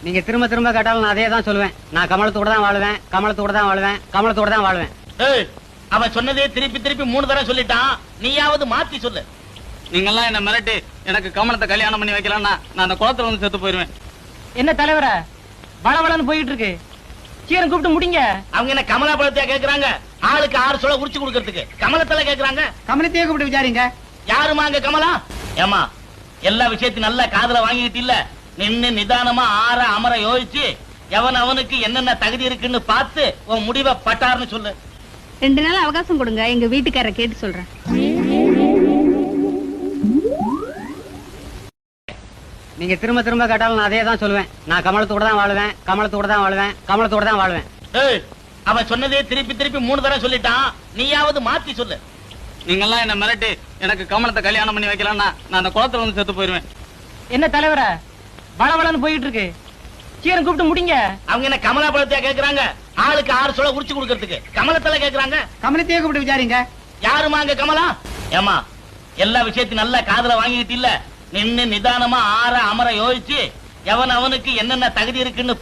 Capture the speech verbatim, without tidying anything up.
நீங்க திரும்ப திரும்ப கேட்டாலும் நான் அதே தான் சொல்லுவேன். நான் கமலத்தோட தான் வாழுவேன், கமலத்தோட தான் வாழுவேன், கமலத்தோட தான் வாழுவேன். ஏய், அவன் சொன்னதே திருப்பி திருப்பி மூணு தடவை சொல்லிட்டான். நீயாவது மாத்தி சொல்லு. நீங்கெல்லாம் என்ன மிரட்டி எனக்கு கமலத்தை கல்யாணம் பண்ணி வைக்கலாம்னா நான் அந்த குளத்துல வந்து செத்து போயிருவேன். என்ன தலைவர வளவளன்னு போயிட்டு இருக்கு, சீரன் கூப்பிட்டு முடிங்க. அவங்க என்ன கமலா பழத்தையா கேக்குறாங்க? ஆளுக்கு ஆறு சொல்ல உரிச்சு கொடுக்கறதுக்கு கமலத்துல கேக்குறாங்க. கமலத்தையே கூப்பிட்டு விசாரிங்க. யாருமா அங்க கமலா? ஏமா, எல்லா விஷயத்தையும் நல்ல காதுல வாங்கிட்டு இல்ல, நின்னு நிதானமா ஆற அமர யோசிச்சு எவன் அவனுக்கு என்னென்ன தகுதி இருக்குன்னு பார்த்து உன் முடிவை பட்டார்னு சொல்லு. ரெண்டு நாள் அவகாசம் கொடுங்க, எங்க வீட்டுக்காரரை கேட்டு சொல்றேன். நீங்க திரும்ப திரும்ப கேட்டாலும் நான் அதே தான் சொல்லுவேன். நான் கமலத்தோட தான் வாழுவேன், கமலத்தோட தான் வாழுவேன், கமலத்தோட தான் வாழுவேன். ஏய், அவன் சொன்னதே திருப்பி திருப்பி மூணு தடவை சொல்லிட்டான். நீயாவது மாத்தி சொல்லு. நீங்கெல்லாம் என்ன மிரட்டி எனக்கு கமலத்தை கல்யாணம் பண்ணி வைக்கலாம்னா நான் அந்த குளத்துல வந்து செத்து போயிருவேன். என்ன தலைவர வளவளன்னு போயிட்டு இருக்கு, சீரன் கூப்பிட்டு முடிங்க. அவங்க என்ன கமலா பழத்தையா கேக்குறாங்க? ஆளுக்கு ஆறு சொல்ல உரிச்சு கொடுக்கறதுக்கு கமலத்துல கேக்குறாங்க. கமலத்தையே கூப்பிட்டு விசாரிங்க. யாருமா அங்க கமலா? ஏமா, எல்லா விஷயத்தையும் நல்ல காதுல வாங்கிட்டு இல்ல, நின்னு நிதானமா ஆற அமர யோசிச்சு எவன் அவனுக்கு என்னென்ன தகுதி இருக்குன்னு